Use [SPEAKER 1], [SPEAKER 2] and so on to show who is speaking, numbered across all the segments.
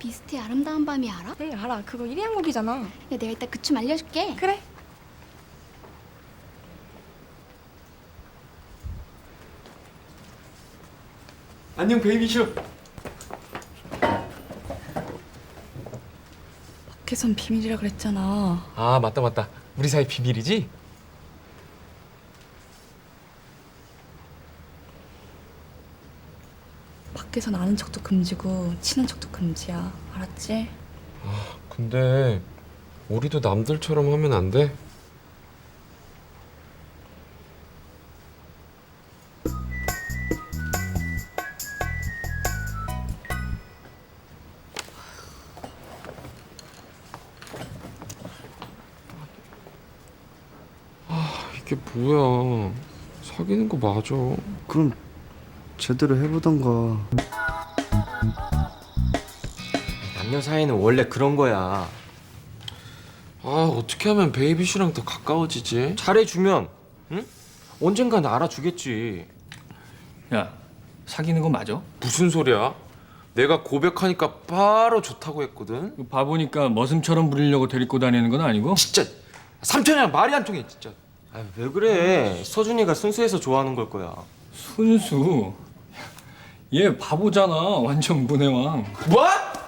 [SPEAKER 1] 비스트의 아름다운 밤이 알아?
[SPEAKER 2] 네 알아. 그거 1위 항목이잖아.
[SPEAKER 1] 야, 내가 이따 그 춤 알려줄게.
[SPEAKER 2] 그래.
[SPEAKER 3] 안녕 베이비슈.
[SPEAKER 2] 밖에선 비밀이라 그랬잖아.
[SPEAKER 3] 아 맞다. 우리 사이 비밀이지?
[SPEAKER 2] 밖에선 아는 척도 금지고 친한 척도 금지야. 알았지?
[SPEAKER 3] 근데 우리도 남들처럼 하면 안 돼? 이게 뭐야? 사귀는 거 맞아?
[SPEAKER 4] 그럼 제대로 해보던가.
[SPEAKER 5] 남녀 사이는 원래 그런 거야.
[SPEAKER 3] 아 어떻게 하면 베이비슈랑 더 가까워지지?
[SPEAKER 5] 잘해주면 응? 언젠간 알아주겠지.
[SPEAKER 6] 야, 사귀는 거 맞아?
[SPEAKER 3] 무슨 소리야? 내가 고백하니까 바로 좋다고 했거든.
[SPEAKER 6] 그 바보니까 머슴처럼 부리려고 데리고 다니는 건 아니고?
[SPEAKER 3] 진짜 삼촌이랑 말이 안 통해 진짜.
[SPEAKER 5] 아, 왜 그래? 서준이가 순수해서 좋아하는 걸 거야.
[SPEAKER 6] 순수. 얘 바보잖아. 완전 문해왕.
[SPEAKER 3] 뭐?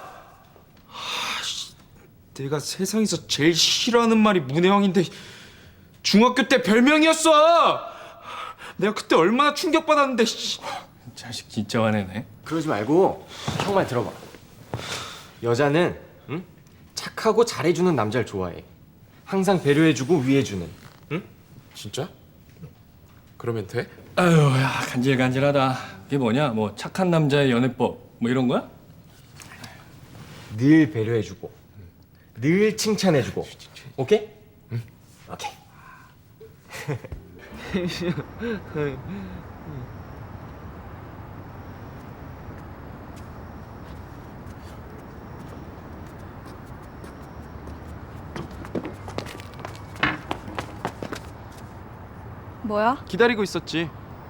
[SPEAKER 4] 내가 세상에서 제일 싫어하는 말이 문혜왕인데 중학교 때 별명이었어. 내가 그때 얼마나 충격받았는데.
[SPEAKER 6] 자식 진짜 화내네.
[SPEAKER 5] 그러지 말고 형 말 들어봐. 여자는 응? 착하고 잘해주는 남자를 좋아해. 항상 배려해주고 위해주는. 응?
[SPEAKER 3] 진짜? 그러면 돼?
[SPEAKER 6] 아유, 야, 간질간질하다. 이게 뭐냐? 뭐 착한 남자의 연애법 뭐 이런 거야?
[SPEAKER 5] 늘 배려해주고 늘 칭찬해주고. 오케이? 응. 오케이.
[SPEAKER 2] 뭐야?
[SPEAKER 4] 기다리고 있었지.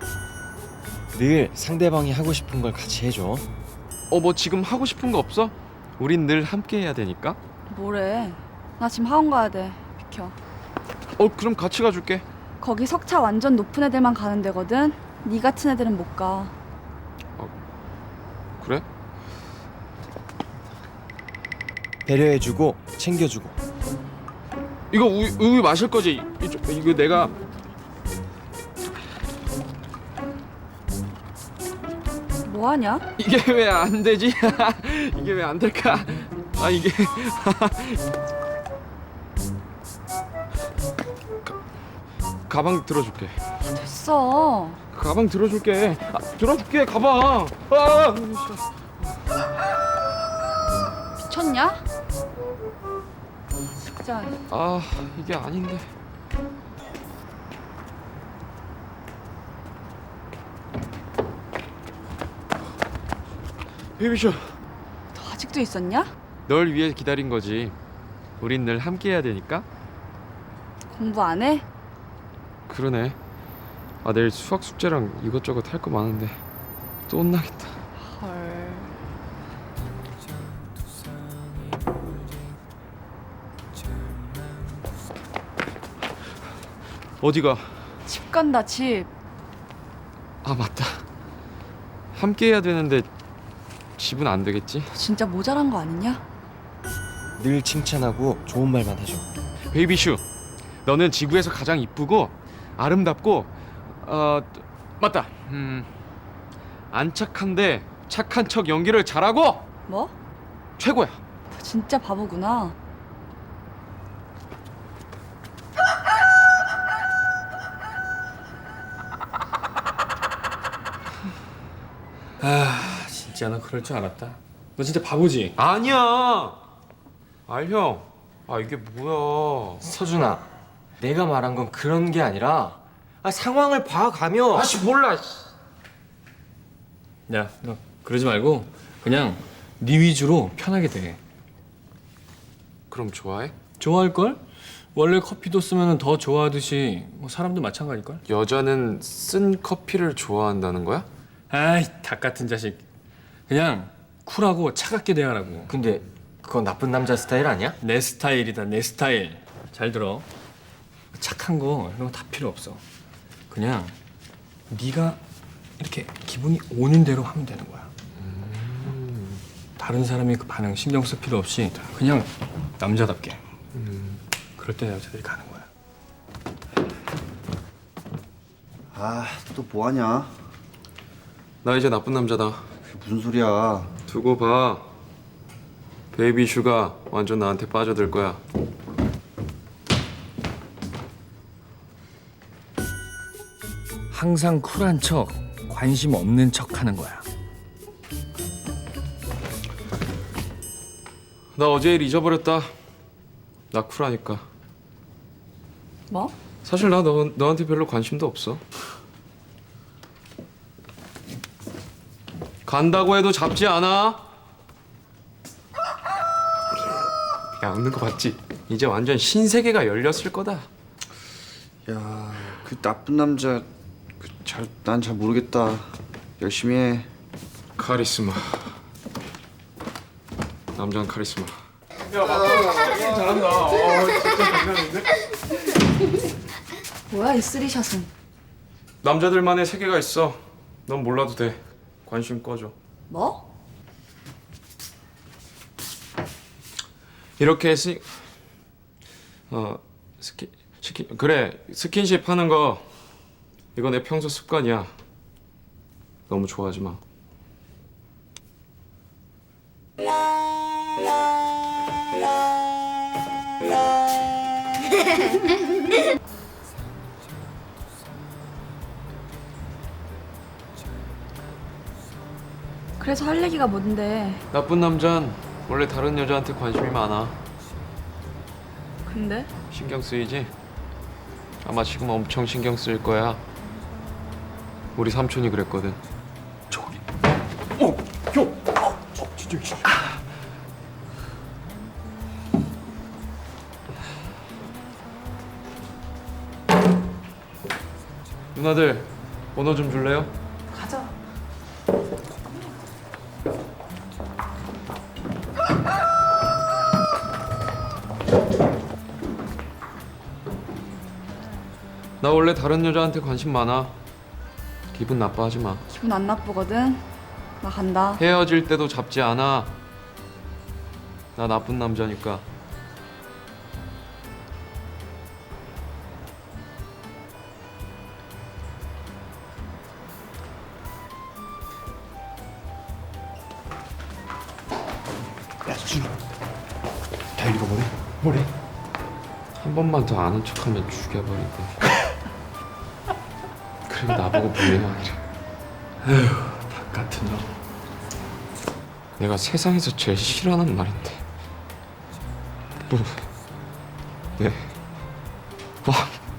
[SPEAKER 5] 늘 상대방이 하고 싶은 걸 같이 해줘.
[SPEAKER 4] 뭐 지금 하고 싶은 거 없어? 우린 늘 함께 해야 되니까.
[SPEAKER 2] 뭐래? 나 지금 학원 가야 돼. 비켜.
[SPEAKER 4] 그럼 같이 가줄게.
[SPEAKER 2] 거기 석차 완전 높은 애들만 가는 데거든. 네 같은 애들은 못 가.
[SPEAKER 4] 그래?
[SPEAKER 5] 배려해주고 챙겨주고.
[SPEAKER 4] 이거 우유 마실 거지? 이거 내가.
[SPEAKER 2] 뭐 하냐?
[SPEAKER 4] 이게 왜 안 되지? 이게 왜 안 될까? 이게 가방 들어줄게.
[SPEAKER 2] 됐어.
[SPEAKER 4] 가방 들어줄게. 들어줄게 가방.
[SPEAKER 2] 미쳤냐? 진짜.
[SPEAKER 4] 이게 아닌데. 베이비쇼,
[SPEAKER 2] 너 아직도 있었냐?
[SPEAKER 4] 널 위해 기다린 거지. 우린 늘 함께 해야 되니까.
[SPEAKER 2] 공부 안 해?
[SPEAKER 4] 그러네. 내일 수학 숙제랑 이것저것 할 거 많은데 또 혼나겠다.
[SPEAKER 2] 헐.
[SPEAKER 4] 어디가?
[SPEAKER 2] 집 간다 집.
[SPEAKER 4] 맞다. 함께 해야 되는데 집은 안 되겠지?
[SPEAKER 2] 너 진짜 모자란 거 아니냐?
[SPEAKER 5] 늘 칭찬하고 좋은 말만 해줘.
[SPEAKER 4] 베이비슈, 너는 지구에서 가장 이쁘고 아름답고 맞다. 안 착한데 착한 척 연기를 잘하고
[SPEAKER 2] 뭐?
[SPEAKER 4] 최고야.
[SPEAKER 2] 너 진짜 바보구나.
[SPEAKER 6] 아, 진짜 나 그럴 줄 알았다. 너 진짜 바보지?
[SPEAKER 3] 아니야. 형. 이게 뭐야?
[SPEAKER 5] 서준아, 내가 말한 건 그런 게 아니라 상황을 봐가며.
[SPEAKER 3] 몰라.
[SPEAKER 6] 야, 너 그러지 말고 그냥 네 위주로 편하게 돼.
[SPEAKER 3] 그럼 좋아해?
[SPEAKER 6] 좋아할 걸? 원래 커피도 쓰면 더 좋아하듯이 뭐 사람도 마찬가지일걸?
[SPEAKER 3] 여자는 쓴 커피를 좋아한다는 거야?
[SPEAKER 6] 아이, 닭 같은 자식. 그냥 쿨하고 차갑게 대하라고.
[SPEAKER 5] 근데 그건 나쁜 남자 스타일 아니야?
[SPEAKER 6] 내 스타일이다, 내 스타일. 잘 들어. 착한 거 이런 거 다 필요 없어. 그냥 네가 이렇게 기분이 오는 대로 하면 되는 거야. 다른 사람이 그 반응 신경 쓸 필요 없이 그냥 남자답게. 그럴 때 여자들이 가는 거야.
[SPEAKER 7] 아, 또 뭐하냐?
[SPEAKER 3] 나 이제 나쁜 남자다.
[SPEAKER 7] 그게 무슨 소리야?
[SPEAKER 3] 두고 봐. 베이비 슈가 완전 나한테 빠져들 거야.
[SPEAKER 6] 항상 쿨한 척, 관심 없는 척 하는 거야.
[SPEAKER 3] 나 어제 일 잊어버렸다. 나 쿨하니까.
[SPEAKER 2] 뭐?
[SPEAKER 3] 사실 나 너한테 별로 관심도 없어. 간다고 해도 잡지 않아. 야, 웃는 거 봤지? 이제 완전 신세계가 열렸을 거다.
[SPEAKER 7] 야, 그 나쁜 남자 난 잘 모르겠다. 열심히 해.
[SPEAKER 3] 카리스마. 남자는 카리스마.
[SPEAKER 2] 뭐야 이 쓰리샷은?
[SPEAKER 3] 남자들만의 세계가 있어. 넌 몰라도 돼. 관심 꺼줘.
[SPEAKER 2] 뭐?
[SPEAKER 3] 이렇게 그래, 스킨십 하는 거 이거 내 평소 습관이야. 너무 좋아하지 마.
[SPEAKER 2] 그래서 할 얘기가 뭔데?
[SPEAKER 3] 나쁜 남잔 원래 다른 여자한테 관심이 많아.
[SPEAKER 2] 근데?
[SPEAKER 3] 신경 쓰이지? 아마 지금 엄청 신경 쓰일 거야. 우리 삼촌이 그랬거든.
[SPEAKER 6] 저기.
[SPEAKER 3] 누나들 번호 좀 줄래요?
[SPEAKER 2] 가자.
[SPEAKER 3] 나 원래 다른 여자한테 관심 많아. 기분 나빠하지 마.
[SPEAKER 2] 기분 안 나쁘거든. 나 간다.
[SPEAKER 3] 헤어질 때도 잡지 않아. 나 나쁜 남자니까.
[SPEAKER 7] 야, 수진이. 다현이가 뭐래?
[SPEAKER 3] 한 번만 더 아는 척하면 죽여버리고. 그리고 나보고 무례하기래.
[SPEAKER 6] 닭 같은 놈.
[SPEAKER 3] 내가 세상에서 제일 싫어하는 말인데. 뭐? 네. 와.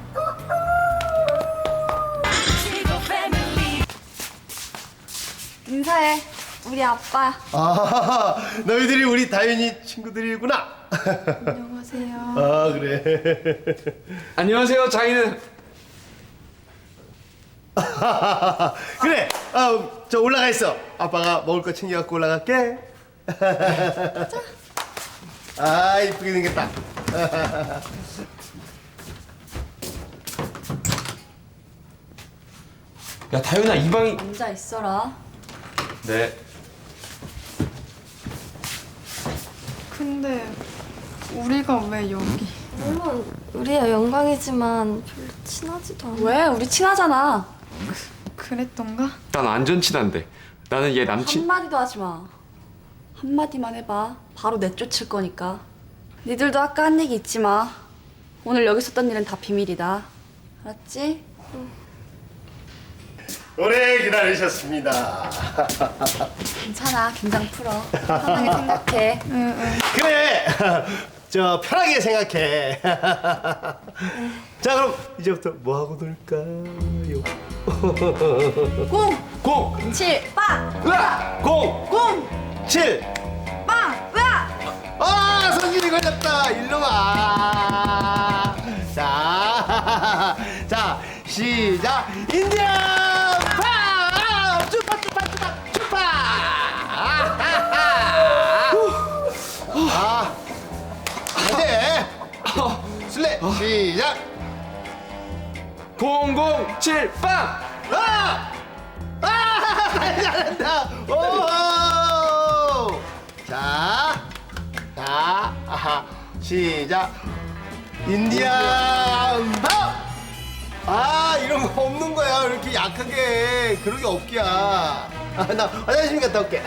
[SPEAKER 2] 인사해. 우리 아빠.
[SPEAKER 8] 아, 너희들이 우리 다윤이 친구들이구나.
[SPEAKER 2] 안녕하세요.
[SPEAKER 8] 아, 그래.
[SPEAKER 3] 안녕하세요, 장인은.
[SPEAKER 8] 그래. 저 올라가 있어. 아빠가 먹을 거 챙겨갖고 올라갈게. 아, 이쁘게 생겼다.
[SPEAKER 3] 야, 다윤아, 이 방이.
[SPEAKER 2] 앉아 있어라.
[SPEAKER 3] 네.
[SPEAKER 9] 근데 우리가 왜 여기?
[SPEAKER 10] 물론 우리야 영광이지만 별로 친하지도 않아.
[SPEAKER 2] 왜? 우리 친하잖아.
[SPEAKER 9] 그랬던가?
[SPEAKER 3] 난 완전 친한데. 나는 얘 남친.
[SPEAKER 2] 한마디도 하지 마. 한마디만 해봐. 바로 내쫓을 거니까. 니들도 아까 한 얘기 잊지 마. 오늘 여기 있었던 일은 다 비밀이다. 알았지?
[SPEAKER 8] 오래 기다리셨습니다.
[SPEAKER 2] 괜찮아. 긴장 풀어. 편하게 생각해.
[SPEAKER 8] 그래. 저 편하게 생각해. 자, 그럼 이제부터 뭐 하고 놀까요? 공,
[SPEAKER 2] 7, 빵!
[SPEAKER 8] 으아, 공, 7,
[SPEAKER 2] 빵! 으아!
[SPEAKER 8] 아, 성질이 걸렸다. 일로 와. 자, 시작. 인디언 파! 쭈파. 시작.
[SPEAKER 4] 007 빵!
[SPEAKER 8] 잘한다. 오. 자, 시작. 인디안 밥. 이런 거 없는 거야. 이렇게 약하게. 그런 게 없기야. 나 화장실 갔다 올게.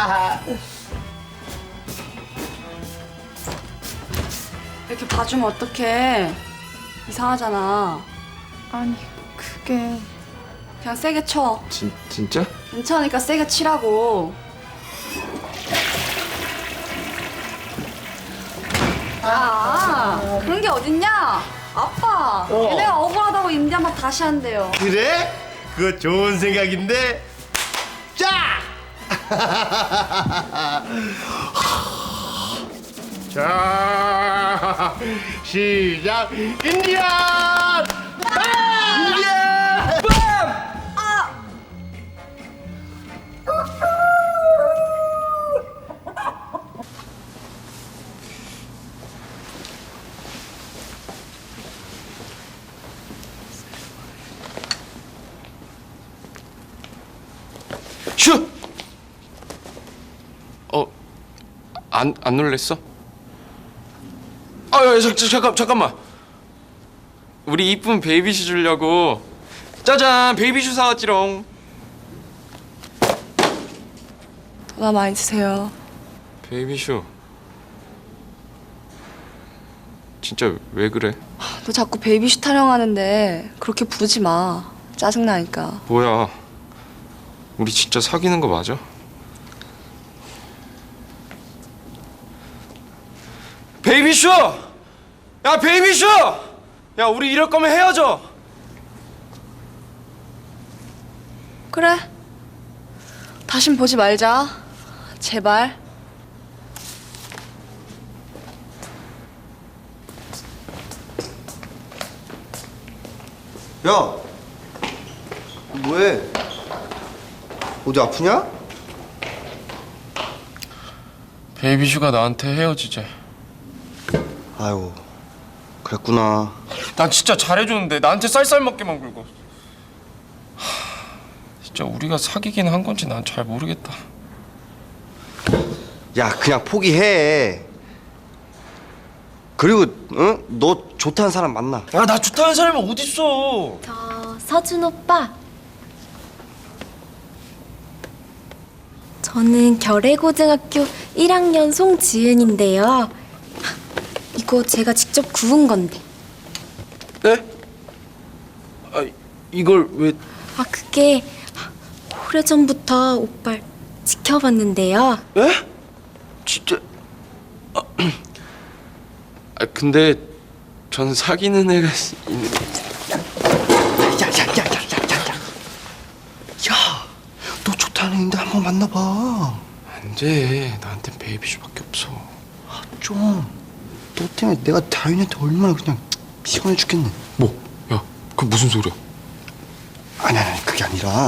[SPEAKER 2] 이렇게 봐주면 어떡해. 이상하잖아.
[SPEAKER 9] 아니, 그게...
[SPEAKER 2] 그냥 세게 쳐.
[SPEAKER 3] 진짜?
[SPEAKER 2] 괜찮으니까 세게 치라고. 그런 게 어딨냐? 아빠, 얘네가 억울하다고 인디안밥 다시 한대요.
[SPEAKER 8] 그래? 그거 좋은 생각인데. 자! 자, 시작. 인디안 빰! 인디안 빰!
[SPEAKER 3] 슈! 안 놀랬어? 잠깐만. 우리 이쁜 베이비슈 주려고 짜잔 베이비슈 사왔지롱.
[SPEAKER 2] 전화 많이 주세요.
[SPEAKER 3] 베이비슈 진짜 왜 그래?
[SPEAKER 2] 너 자꾸 베이비슈 타령하는데 그렇게 부르지 마. 짜증나니까.
[SPEAKER 3] 뭐야 우리 진짜 사귀는 거 맞아? 베이비슈! 야 베이비슈! 야 우리 이럴 거면 헤어져.
[SPEAKER 2] 그래. 다신 보지 말자. 제발.
[SPEAKER 7] 야, 뭐해? 어디 아프냐?
[SPEAKER 3] 베이비슈가 나한테 헤어지재.
[SPEAKER 7] 아유, 그랬구나.
[SPEAKER 3] 난 진짜 잘해줬는데 나한테 쌀쌀 먹게만 굴고. 진짜 우리가 사귀긴 한 건지 난 잘 모르겠다.
[SPEAKER 7] 야, 그냥 포기해. 그리고 응? 너 좋다는 사람 만나.
[SPEAKER 4] 나 좋다는 사람이 어딨어?
[SPEAKER 10] 서준 오빠. 저는 결의고등학교 1학년 송지은인데요. 이거 제가 직접 구운 건데.
[SPEAKER 4] 네? 이걸 왜...
[SPEAKER 10] 그게 오래전부터 오빠를 지켜봤는데요.
[SPEAKER 4] 에?
[SPEAKER 3] 진짜... 근데 전 사귀는 애가 있는...
[SPEAKER 7] 야, 너 좋다는 애인데 한번 만나봐.
[SPEAKER 3] 안 돼. 나한텐 베이비슈밖에 없어.
[SPEAKER 7] 좀. 너 때문에 내가 다윤이한테 얼마나 그냥 피곤해 죽겠네.
[SPEAKER 3] 뭐? 야, 그 무슨 소리야?
[SPEAKER 7] 아니, 그게 아니라.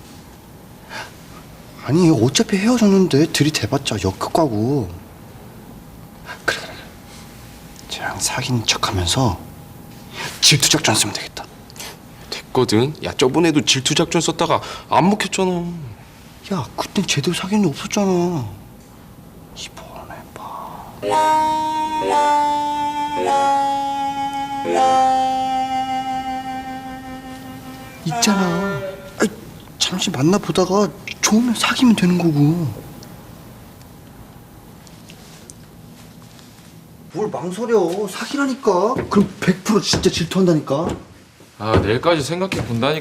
[SPEAKER 7] 아니, 어차피 헤어졌는데 들이대봤자 역극과고. 그래. 쟤랑 사귄 척하면서 질투작전 쓰면 되겠다.
[SPEAKER 3] 됐거든. 야, 저번에도 질투작전 썼다가 안 먹혔잖아.
[SPEAKER 7] 야, 그땐 제대로 사귄 일 없었잖아. 이번에 봐. 있잖아. 아이, 잠시 만나보다가 좋으면 사귀면 되는 거고. 뭘 망설여. 사귀라니까. 그럼 100% 진짜 질투한다니까.
[SPEAKER 3] 내일까지 생각해 본다니까.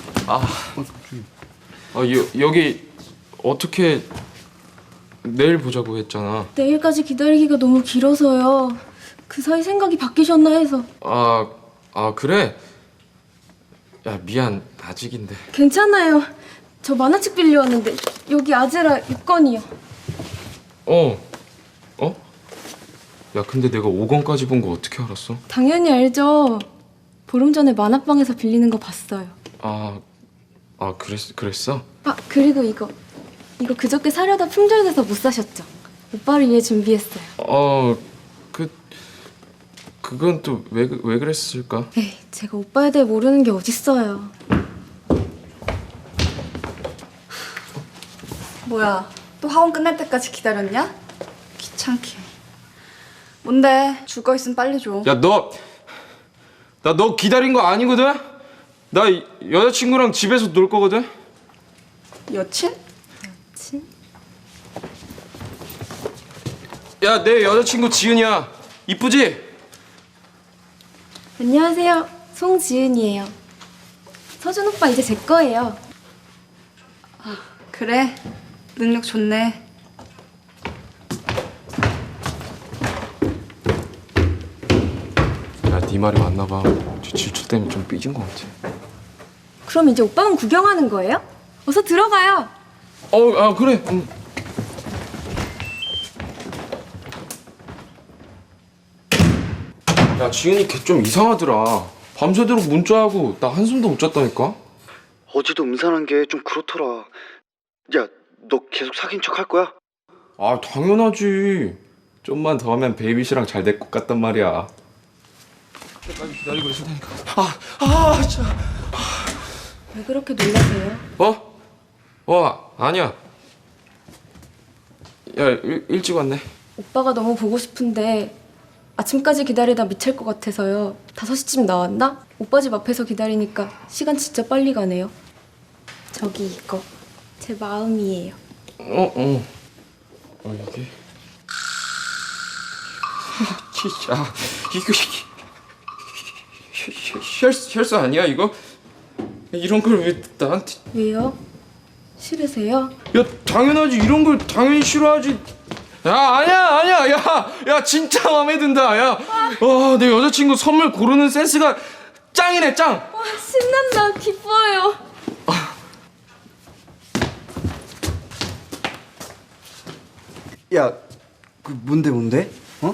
[SPEAKER 3] 여기 어떻게 내일 보자고 했잖아.
[SPEAKER 10] 내일까지 기다리기가 너무 길어서요. 그 사이 생각이 바뀌셨나 해서.
[SPEAKER 3] 그래? 야, 미안. 아직인데.
[SPEAKER 10] 괜찮아요. 저 만화책 빌려왔는데 여기 아제라 6권이요.
[SPEAKER 3] 야, 근데 내가 5권까지 본 거 어떻게 알았어?
[SPEAKER 10] 당연히 알죠. 보름 전에 만화방에서 빌리는 거 봤어요.
[SPEAKER 3] 그랬어?
[SPEAKER 10] 그리고 이거 그저께 사려다 품절돼서 못 사셨죠? 오빠를 위해 준비했어요.
[SPEAKER 3] 그건 또 왜 그랬을까?
[SPEAKER 10] 에이, 제가 오빠에 대해 모르는 게 어딨어요.
[SPEAKER 2] 뭐야, 또 학원 끝날 때까지 기다렸냐? 귀찮게. 뭔데? 줄 거 있으면 빨리 줘.
[SPEAKER 3] 야, 나 너 기다린 거 아니거든? 나 여자친구랑 집에서 놀 거거든?
[SPEAKER 2] 여친?
[SPEAKER 10] 친?
[SPEAKER 3] 야, 내 여자친구 지은이야. 이쁘지?
[SPEAKER 10] 안녕하세요. 송지은이에요. 서준 오빠 이제 제 거예요.
[SPEAKER 2] 그래, 능력 좋네.
[SPEAKER 3] 야, 네 말이 맞나 봐. 질투 때문에 좀 삐진 것 같아.
[SPEAKER 10] 그럼 이제 오빠만 구경하는 거예요? 어서 들어가요.
[SPEAKER 3] 그래. 야, 지은이 걔 좀 이상하더라. 밤새도록 문자하고 나 한숨도 못 잤다니까?
[SPEAKER 7] 어제도 음산한 게 좀 그렇더라. 야, 너 계속 사귄 척 할 거야?
[SPEAKER 3] 아, 당연하지. 좀만 더 하면 베이비씨랑 잘 될 것 같단 말이야. 그때까지 기다리고 있을 테니까. 진짜.
[SPEAKER 10] 왜 그렇게 놀라세요?
[SPEAKER 3] 아니야. 야, 일찍 왔네.
[SPEAKER 10] 오빠가 너무 보고 싶은데 아침까지 기다리다 미칠 것 같아서요. 5시쯤 나왔나? 오빠 집 앞에서 기다리니까 시간 진짜 빨리 가네요. 저기 이거 제 마음이에요.
[SPEAKER 3] 이게. 진짜. 이거 혈수 아니야 이거? 이런 걸 왜 나한테?
[SPEAKER 10] 왜요? 싫으세요?
[SPEAKER 3] 야, 당연하지. 이런 걸 당연히 싫어하지. 야, 아니야. 야, 진짜 마음에 든다. 야, 내 여자친구 선물 고르는 센스가 짱이네, 짱.
[SPEAKER 10] 와, 신난다. 기뻐요.
[SPEAKER 7] 야, 그 뭔데? 어?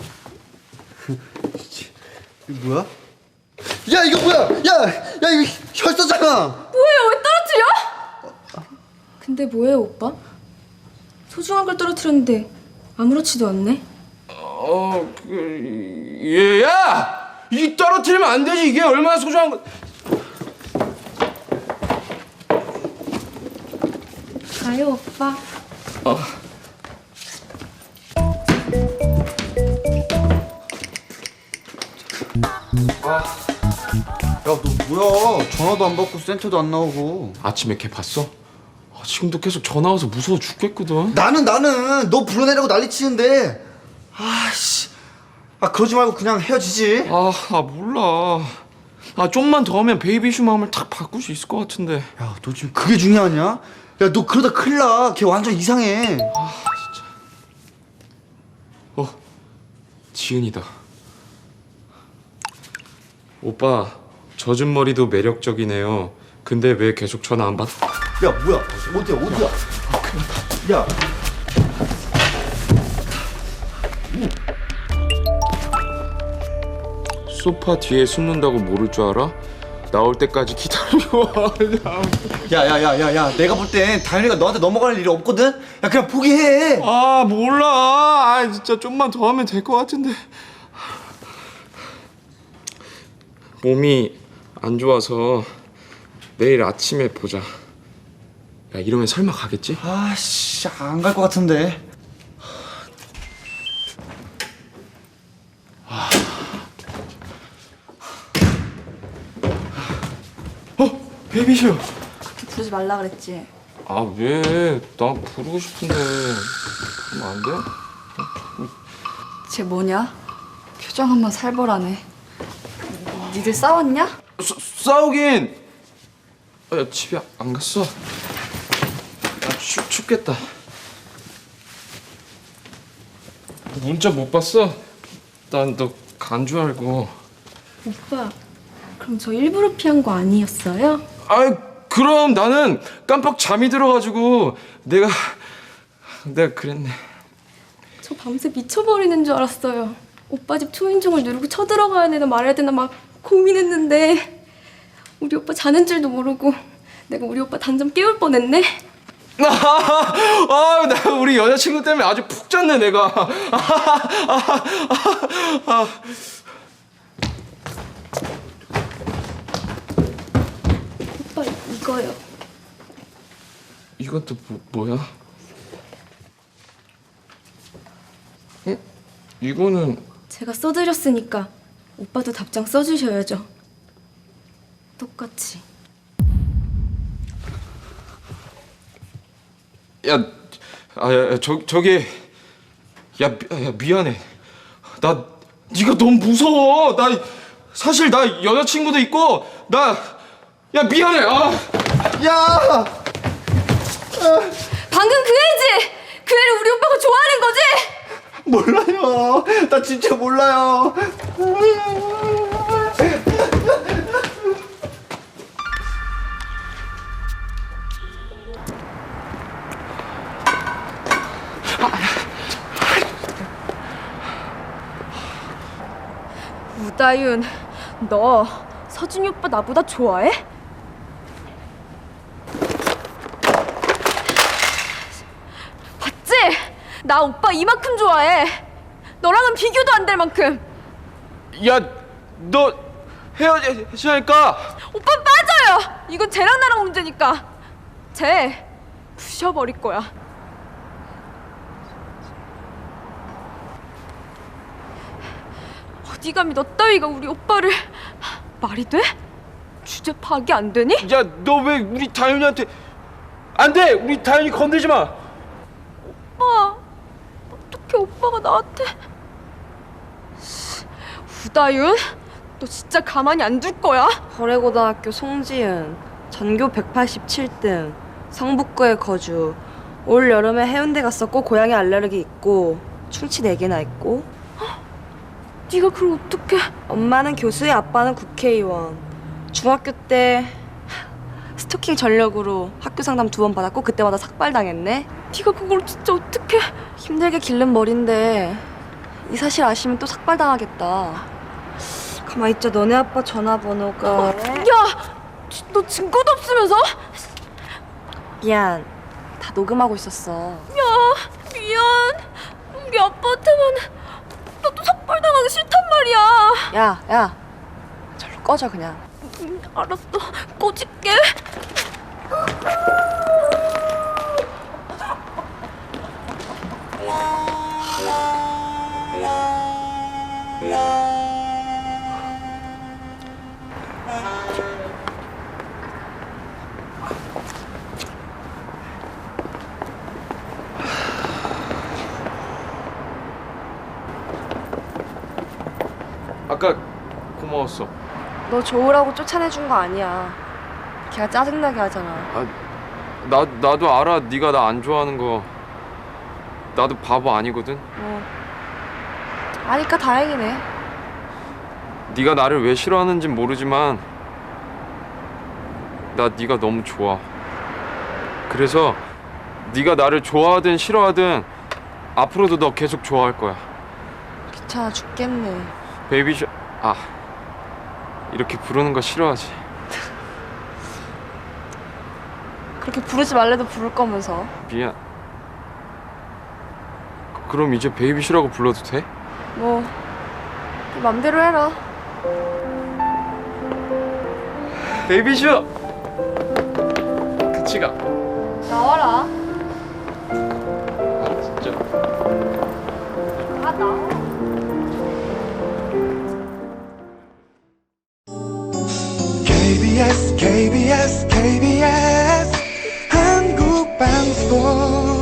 [SPEAKER 7] 이거 뭐야? 야, 이거 뭐야? 야, 이거 혈서잖아.
[SPEAKER 10] 뭐예요? 왜 떨어뜨려? 근데 뭐예요, 오빠? 소중한 걸 떨어뜨렸는데 아무렇지도 않네.
[SPEAKER 3] 야! 이 떨어뜨리면 안 되지. 이게 얼마나 소중한 거.
[SPEAKER 10] 가요, 오빠.
[SPEAKER 7] 야, 너 뭐야? 전화도 안 받고 센터도 안 나오고.
[SPEAKER 3] 아침에 걔 봤어? 지금도 계속 전화 와서 무서워 죽겠거든.
[SPEAKER 7] 나는 너 불러내라고 난리치는데. 아씨. 그러지 말고 그냥 헤어지지.
[SPEAKER 3] 몰라. 좀만 더 하면 베이비슈 마음을 탁 바꿀 수 있을 것 같은데.
[SPEAKER 7] 야, 너 지금 그게 중요하냐? 야, 너 그러다 큰일 나. 걔 완전 이상해.
[SPEAKER 3] 진짜. 지은이다. 오빠, 젖은 머리도 매력적이네요. 근데 왜 계속 전화 안 받?
[SPEAKER 7] 야, 뭐야? 어디야? 야.
[SPEAKER 3] 소파 뒤에 숨는다고 모를 줄 알아? 나올 때까지 기다려.
[SPEAKER 7] 야. 내가 볼 땐 다현이가 너한테 넘어갈 일이 없거든? 야, 그냥 포기해.
[SPEAKER 3] 몰라. 진짜 좀만 더 하면 될 것 같은데. 몸이 안 좋아서 내일 아침에 보자. 야, 이러면 설마 가겠지?
[SPEAKER 7] 아씨, 안 갈 것 같은데.
[SPEAKER 3] 베이비쇼.
[SPEAKER 2] 그렇게 부르지 말라 그랬지.
[SPEAKER 3] 왜? 나 부르고 싶은데. 그러면 안 돼?
[SPEAKER 2] 쟤 뭐냐? 표정 한번 살벌하네. 니들 싸웠냐?
[SPEAKER 3] 싸우긴. 야, 집에 안 갔어. 야, 춥겠다. 문자 못 봤어? 난 너 간 줄 알고.
[SPEAKER 10] 오빠, 그럼 저 일부러 피한 거 아니었어요?
[SPEAKER 3] 그럼 나는 깜빡 잠이 들어가지고 내가 그랬네.
[SPEAKER 10] 저 밤새 미쳐버리는 줄 알았어요. 오빠 집 초인종을 누르고 쳐들어가야 되나 말아야 되나 막 고민했는데 우리 오빠 자는 줄도 모르고 내가 우리 오빠 단잠 깨울 뻔했네.
[SPEAKER 3] 나 우리 여자친구 때문에 아주 푹 잤네 내가.
[SPEAKER 10] 이거요.
[SPEAKER 3] 이것도 뭐야? 응? 이거는
[SPEAKER 10] 제가 써드렸으니까 오빠도 답장 써주셔야죠. 똑같이.
[SPEAKER 3] 저기 미안해. 네가 너무 무서워. 사실 나 여자친구도 있고 미안해.
[SPEAKER 7] 야!
[SPEAKER 10] 방금 그 애지! 그 애를 우리 오빠가 좋아하는 거지?
[SPEAKER 7] 몰라요. 나 진짜 몰라요.
[SPEAKER 10] 우다윤, 너 서준이 오빠 나보다 좋아해? 봤지? 나 오빠 이만큼 좋아해. 너랑은 비교도 안 될 만큼.
[SPEAKER 3] 너 헤어지니까.
[SPEAKER 10] 오빠 빠져요. 이건 쟤랑 나랑 문제니까. 쟤 부셔버릴 거야. 어디 감히 너 따위가 우리 오빠를. 말이 돼? 주제 파악이 안 되니?
[SPEAKER 3] 너 왜 우리 다윤이한테 안 돼. 우리 다윤이 건들지 마.
[SPEAKER 10] 오빠, 어떻게 오빠가 나한테. 우다윤, 너 진짜 가만히 안 둘 거야?
[SPEAKER 2] 거래고등학교 송지은, 전교 187등, 성북구에 거주. 올 여름에 해운대 갔었고 고양이 알레르기 있고 충치 4개나 있고.
[SPEAKER 10] 네가 그걸 어떡해?
[SPEAKER 2] 엄마는 교수의 아빠는 국회의원. 중학교 때 스토킹 전력으로 학교 상담 2번 받았고 그때마다 삭발당했네.
[SPEAKER 10] 네가 그걸 진짜 어떡해?
[SPEAKER 2] 힘들게 기른 머린데 이 사실 아시면 또 삭발당하겠다. 가만 있자. 너네 아빠 전화번호가.
[SPEAKER 10] 야! 너 증거도 없으면서?
[SPEAKER 2] 미안. 다 녹음하고 있었어.
[SPEAKER 10] 야, 미안. 우리 아빠한테만 나도 삭발당하기 싫단 말이야.
[SPEAKER 2] 야. 절로 꺼져 그냥.
[SPEAKER 10] 알았어. 꺼질게.
[SPEAKER 3] 아까 고마웠어.
[SPEAKER 2] 너 좋으라고 쫓아내준 거 아니야. 걔가 짜증나게 하잖아.
[SPEAKER 3] 나도 알아. 네가 나 안 좋아하는 거. 나도 바보 아니거든.
[SPEAKER 2] 아니까 다행이네.
[SPEAKER 3] 네가 나를 왜 싫어하는진 모르지만 나 네가 너무 좋아. 그래서 네가 나를 좋아하든 싫어하든 앞으로도 너 계속 좋아할 거야.
[SPEAKER 2] 귀찮아 죽겠네.
[SPEAKER 3] 베이비쇼. 이렇게 부르는 거 싫어하지.
[SPEAKER 2] 그렇게 부르지 말래도 부를 거면서.
[SPEAKER 3] 미안. 그럼 이제 베이비쇼라고 불러도 돼?
[SPEAKER 2] 뭐 네 맘대로 해라.
[SPEAKER 3] 베이비쇼. 그치가.
[SPEAKER 2] 나와라.
[SPEAKER 3] 진짜.
[SPEAKER 2] 나와.
[SPEAKER 11] KBS KBS KBS 한국방송